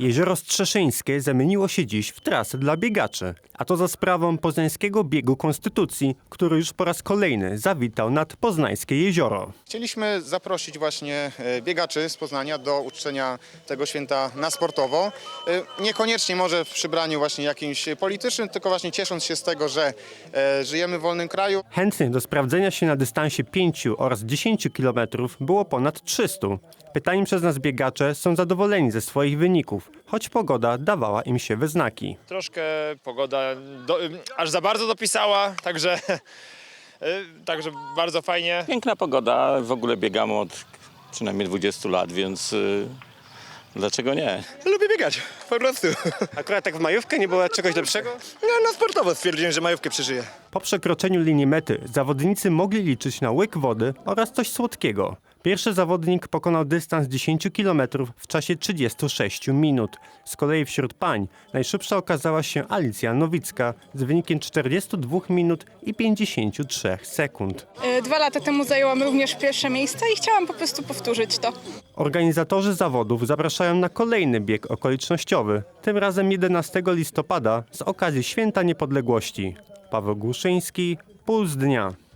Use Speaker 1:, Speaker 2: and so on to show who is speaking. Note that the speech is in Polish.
Speaker 1: Jezioro Strzeszyńskie zamieniło się dziś w trasę dla biegaczy, a to za sprawą Poznańskiego Biegu Konstytucji, który już po raz kolejny zawitał nad Poznańskie Jezioro.
Speaker 2: Chcieliśmy zaprosić właśnie biegaczy z Poznania do uczczenia tego święta na sportowo. Niekoniecznie może w przybraniu właśnie jakimś politycznym, tylko właśnie ciesząc się z tego, że żyjemy w wolnym kraju.
Speaker 1: Chętnych do sprawdzenia się na dystansie 5 oraz 10 km było ponad 300. Pytani przez nas biegacze są zadowoleni ze swoich wyników, choć pogoda dawała im się we znaki.
Speaker 3: Troszkę pogoda aż za bardzo dopisała, także bardzo fajnie.
Speaker 4: Piękna pogoda, w ogóle biegamy od przynajmniej 20 lat, więc dlaczego nie?
Speaker 5: Lubię biegać, po prostu.
Speaker 1: Akurat tak w majówkę nie było czegoś lepszego?
Speaker 5: Na sportowo stwierdziłem, że majówkę przeżyję.
Speaker 1: Po przekroczeniu linii mety zawodnicy mogli liczyć na łyk wody oraz coś słodkiego. Pierwszy zawodnik pokonał dystans 10 km w czasie 36 minut. Z kolei wśród pań najszybsza okazała się Alicja Nowicka z wynikiem 42 minut i 53 sekund.
Speaker 6: 2 lata temu zajęłam również pierwsze miejsce i chciałam po prostu powtórzyć to.
Speaker 1: Organizatorzy zawodów zapraszają na kolejny bieg okolicznościowy, tym razem 11 listopada z okazji Święta Niepodległości. Paweł Głuszyński, Puls Dnia.